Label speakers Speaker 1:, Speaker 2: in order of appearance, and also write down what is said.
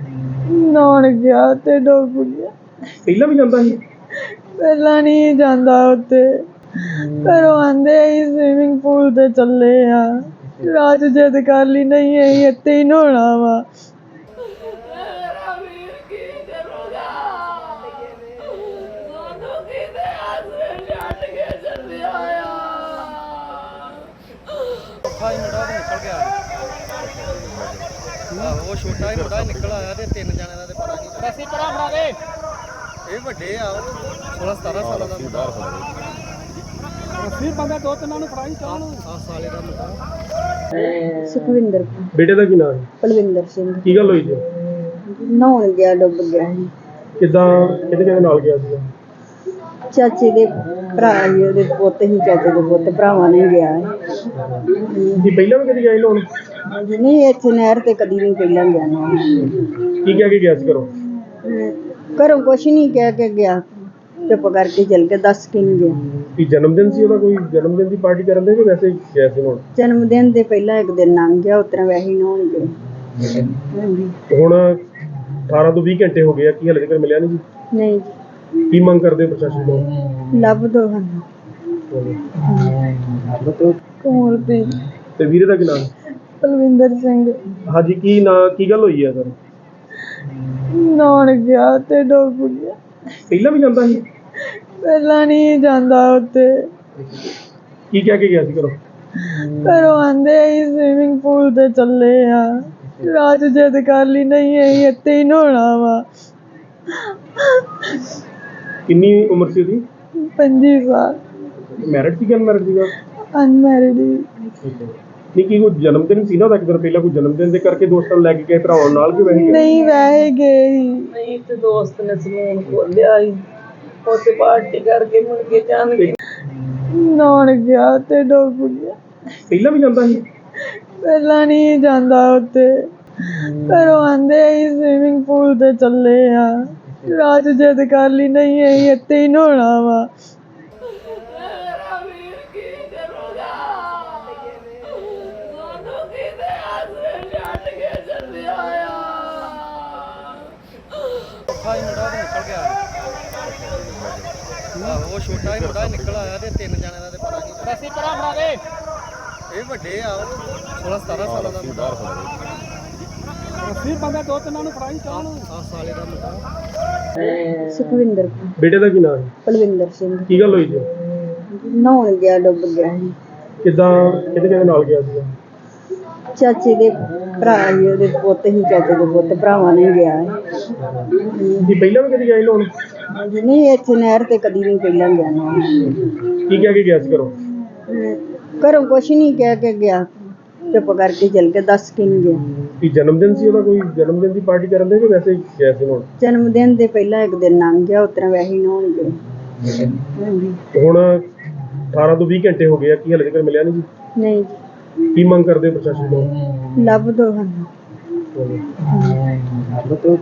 Speaker 1: ਨਹਾਉਣ ਗਿਆ ਤੇ ਡੁੱਬ ਗਿਆ।
Speaker 2: ਪਹਿਲਾਂ ਵੀ ਜਾਂਦਾ ਸੀ?
Speaker 1: ਪਹਿਲਾਂ ਨਹੀਂ ਜਾਂਦਾ ਉੱਥੇ, ਘਰੋਂ ਆਂਦੇ ਅਸੀਂ ਸਵਿਮਿੰਗ ਪੂਲ ਤੇ ਚੱਲੇ ਆ। ਰਾਤ ਜਿੱਦ ਕਰ ਲਈ ਨਹੀਂ ਅਸੀਂ ਇੱਥੇ ਹੀ ਨਹਾਉਣਾ ਵਾ।
Speaker 3: ਉਹ ਛੋਟਾ ਹੀ ਮੁੰਡਾ ਨਿਕਲ ਆਇਆ ਤੇ ਤਿੰਨ ਜਣਿਆਂ ਦਾ ਤੇ ਪਤਾ ਨਹੀਂ। ਪੈਸੇ ਭਰਾ ਬਣਾ ਦੇ। ਇਹ ਵੱਡੇ ਆ 16 17 ਸਾਲਾਂ ਦਾ ਮੁੰਡਾ। ਫਿਰ ਬੰਦਾ ਦੋ ਤਿੰਨਾਂ ਨੂੰ ਫੜਾਈ ਚਾਹ ਨੂੰ। 7 ਸਾਲੇ ਦਾ ਮੁੰਡਾ।
Speaker 1: ਸੁਖਵਿੰਦਰ
Speaker 2: ਬੇਟੇ ਦਾ ਕੀ ਨਾਮ ਹੈ?
Speaker 1: ਪਲਵਿੰਦਰ ਸਿੰਘ।
Speaker 2: ਕੀ ਗੱਲ ਹੋਈ ਜੀ?
Speaker 1: ਨਹਾਉਣ ਗਿਆ, ਡੁੱਬ ਗਿਆ ਸੀ।
Speaker 2: ਕਿੱਦਾਂ ਕਿਹਦੇ ਨਾਲ ਗਿਆ ਸੀਗਾ?
Speaker 1: ਚਾਚੇ ਦੇ ਭਰਾ ਹੀ ਉਹਦੇ ਪੁੱਤ ਹੀ, ਚਾਚੇ ਦੇ ਪੁੱਤ ਭਰਾਵਾਂ ਨੇ ਗਿਆ ਹੈ।
Speaker 2: ਜੀ ਪਹਿਲਾਂ ਵੀ ਕਦੀ ਗਏ ਲੋਣ?
Speaker 1: ਨਹੀਂ ਇੱਥੇ ਨਹਿਰ ਤੇ ਕਦੀ ਨਹੀਂ ਪਹਿਲਾਂ ਗਿਆ ਨਾ।
Speaker 2: ਕੀ ਕਹਿ ਕੇ ਗਿਆ ਸੀ ਘਰੋਂ?
Speaker 1: ਘਰੋਂ ਕੁਛ ਨਹੀਂ ਕਹਿ ਕੇ ਗਿਆ, ਚੁੱਪ ਕਰਕੇ ਚੱਲ ਕੇ, ਦੱਸ ਕੇ ਨਹੀਂ ਗਿਆ।
Speaker 2: ਕੀ ਜਨਮ ਦਿਨ ਸੀ ਉਹਦਾ? ਕੋਈ ਜਨਮ ਦਿਨ ਦੀ ਪਾਰਟੀ ਕਰਨ ਦੇ ਕਿ ਵੈਸੇ ਹੀ ਗਿਆ ਸੀ ਹੁਣ?
Speaker 1: ਜਨਮ ਦਿਨ ਦੇ ਪਹਿਲਾਂ ਇੱਕ ਦਿਨ ਲੰਘ ਗਿਆ, ਉਸ ਤਰ੍ਹਾਂ ਵੈਸੇ ਹੀ ਨਹਾਉਣ ਗਏ। ਹਾਂਜੀ।
Speaker 2: ਹੁਣ 18 ਤੋਂ 20 ਘੰਟੇ ਹੋ ਗਏ ਆ, ਕੀ ਹਾਲੇ ਤੱਕ ਮਿਲਿਆ ਨਹੀਂ ਜੀ?
Speaker 1: ਨਹੀਂ
Speaker 2: ਕੀ ਮੰਗ ਕਰਦੇ ਹੋ ਪ੍ਰਸ਼ਾਸਨ ਤੋਂ?
Speaker 1: ਲੱਭ ਦੋ ਸਾਨੂੰ। ਕੋਮਲਪ੍ਰੀਤ।
Speaker 2: ਤੇ ਵੀਰੇ ਦਾ ਕੀ ਨਾਮ?
Speaker 1: ਪਲਵਿੰਦਰ ਸਿੰਘ।
Speaker 2: ਹਾਂਜੀ, ਕੀ ਗੱਲ ਹੋਈ ਹੈ ਸਰ?
Speaker 1: ਨਹਾਉਣ ਗਿਆ ਤੇ ਡੁੱਬ ਗਿਆ।
Speaker 2: ਪਹਿਲਾਂ ਵੀ ਜਾਂਦਾ ਸੀ?
Speaker 1: ਪਹਿਲਾਂ ਨਹੀਂ ਜਾਂਦਾ ਉੱਥੇ,
Speaker 2: ਕੀ ਕਹਿ ਕੇ ਗਿਆ ਸੀ ਘਰੋਂ?
Speaker 1: ਘਰੋਂ ਆਂਦੇ ਅਸੀਂ ਸਵਿਮਿੰਗ ਪੂਲ ਤੇ ਚੱਲੇ ਆ। ਰਾਤ ਜਿੱਦ ਕਰ ਲਈ ਨਹੀਂ ਅਸੀਂ ਇੱਥੇ ਹੀ ਨਹਾਉਣਾ ਵਾ।
Speaker 2: ਕਿੰਨੀ ਉਮਰ ਸੀ ਉਹਦੀ?
Speaker 1: 25 ਸਾਲ।
Speaker 2: ਮੈਰਿਡ ਸੀ ਕਿ ਅਨਮੈਰਿਡ ਸੀਗਾ?
Speaker 1: ਅਨਮੈਰਿਡ।
Speaker 2: ਨਹੀਂ, ਕੀ ਕੋਈ ਜਨਮ ਦਿਨ ਸੀ ਨਾ ਉਹਦਾ? ਇੱਕ ਦਿਨ ਪਹਿਲਾਂ ਕੋਈ ਜਨਮ ਦਿਨ ਦੇ ਕਰਕੇ ਦੋਸਤਾਂ ਨੂੰ ਲੈ ਕੇ ਗਏ ਭਰਾਵਾਂ ਨਾਲ ਕਿ ਵੈਸੇ?
Speaker 1: ਨਹੀਂ ਵੈਸੇ ਗਏ ਸੀ। ਨਹੀਂ ਤੇ ਦੋਸਤ ਨੇ ਸਲੂਨ ਖੋਲਿਆ ਸੀ, ਉੱਥੇ ਪਾਰਟੀ ਕਰਕੇ ਮੁੜ ਕੇ ਜਾਣਗੇ। ਨਹਾਉਣ ਗਿਆ ਤੇ ਡੁੱਬ ਗਿਆ।
Speaker 2: ਪਹਿਲਾਂ ਵੀ ਜਾਂਦਾ ਸੀ?
Speaker 1: ਪਹਿਲਾਂ ਨਹੀਂ ਜਾਂਦਾ ਉੱਥੇ, ਘਰੋਂ ਆਂਦੇ ਅਸੀਂ ਸਵਿਮਿੰਗ ਪੂਲ ਤੇ ਚੱਲੇ ਆ। ਰਾਤ ਜਿੱਦ ਕਰ ਲਈ ਨਹੀਂ ਅਸੀਂ ਇੱਥੇ ਹੀ ਨਹਾਉਣਾ ਵਾ।
Speaker 3: ਉਹ ਛੋਟਾ ਹੀ ਮੁੰਡਾ ਨਿਕਲ ਆਇਆ ਤੇ ਤਿੰਨ ਜਣਿਆਂ ਦਾ ਤੇ ਪਤਾ ਨਹੀਂ। ਪੈਸੇ ਭਰਾ ਬਣਾ ਦੇ। ਇਹ ਵੱਡੇ ਆ 16 17 ਸਾਲਾਂ ਦਾ ਮੁੰਡਾ। ਫਿਰ ਬੰਦਾ ਦੋ ਤਿੰਨਾਂ ਨੂੰ ਫੜਾਈ ਚਾਹ ਨੂੰ। 7 ਸਾਲੇ ਦਾ ਮੁੰਡਾ।
Speaker 1: ਸੁਖਵਿੰਦਰ।
Speaker 2: ਬੇਟੇ ਦਾ ਕੀ ਨਾਮ ਹੈ?
Speaker 1: ਪਲਵਿੰਦਰ ਸਿੰਘ।
Speaker 2: ਕੀ ਗੱਲ ਹੋਈ ਜੀ?
Speaker 1: ਨਹਾਉਣ ਗਿਆ, ਡੁੱਬ ਗਿਆ ਸੀ।
Speaker 2: ਕਿੱਦਾਂ ਕਿਹਦੇ ਨਾਲ ਗਿਆ ਸੀਗਾ?
Speaker 1: ਚਾਚੇ ਦੇ ਭਰਾ ਹੀ ਉਹਦੇ ਪੁੱਤ ਹੀ, ਚਾਚੇ ਦੇ ਪੁੱਤ ਭਰਾਵਾਂ ਨੇ ਗਿਆ ਹੈ।
Speaker 2: ਜੀ ਪਹਿਲਾਂ ਵੀ ਕਦੀ ਗਏ ਲੋਣ?
Speaker 1: ਨਹੀਂ ਇੱਥੇ ਨਹਿਰ ਤੇ ਕਦੀ ਨਹੀਂ ਪਹਿਲਾਂ ਗਿਆ ਨਾ।
Speaker 2: ਕੀ ਕਹਿ ਕੇ ਗਿਆ ਸੀ ਘਰੋਂ?
Speaker 1: ਘਰੋਂ ਕੁਛ ਨਹੀਂ ਕਹਿ ਕੇ ਗਿਆ, ਚੁੱਪ ਕਰਕੇ ਚੱਲ ਕੇ, ਦੱਸ ਕੇ ਨਹੀਂ ਗਿਆ।
Speaker 2: ਕੀ ਜਨਮ ਦਿਨ ਸੀ ਉਹਦਾ? ਕੋਈ ਜਨਮ ਦਿਨ ਦੀ ਪਾਰਟੀ ਕਰਨ ਦੇ ਕਿ ਵੈਸੇ ਹੀ ਗਿਆ ਸੀ ਹੁਣ?
Speaker 1: ਜਨਮ ਦਿਨ ਦੇ ਪਹਿਲਾਂ ਇੱਕ ਦਿਨ ਲੰਘ ਗਿਆ, ਉਸ ਤਰ੍ਹਾਂ ਵੈਸੇ ਹੀ ਨਹਾਉਣ ਗਏ। ਹਾਂਜੀ।
Speaker 2: ਹੁਣ 18 ਤੋਂ 20 ਘੰਟੇ ਹੋ ਗਏ ਆ, ਕੀ ਹਾਲੇ ਤੱਕ ਮਿਲਿਆ ਨਹੀਂ ਜੀ?
Speaker 1: ਨਹੀਂ
Speaker 2: ਕੀ ਮੰਗ ਕਰਦੇ ਹੋ ਪ੍ਰਸ਼ਾਸਨ ਤੋਂ?
Speaker 1: ਲੱਭ ਦੋ ਸਾਨੂੰ।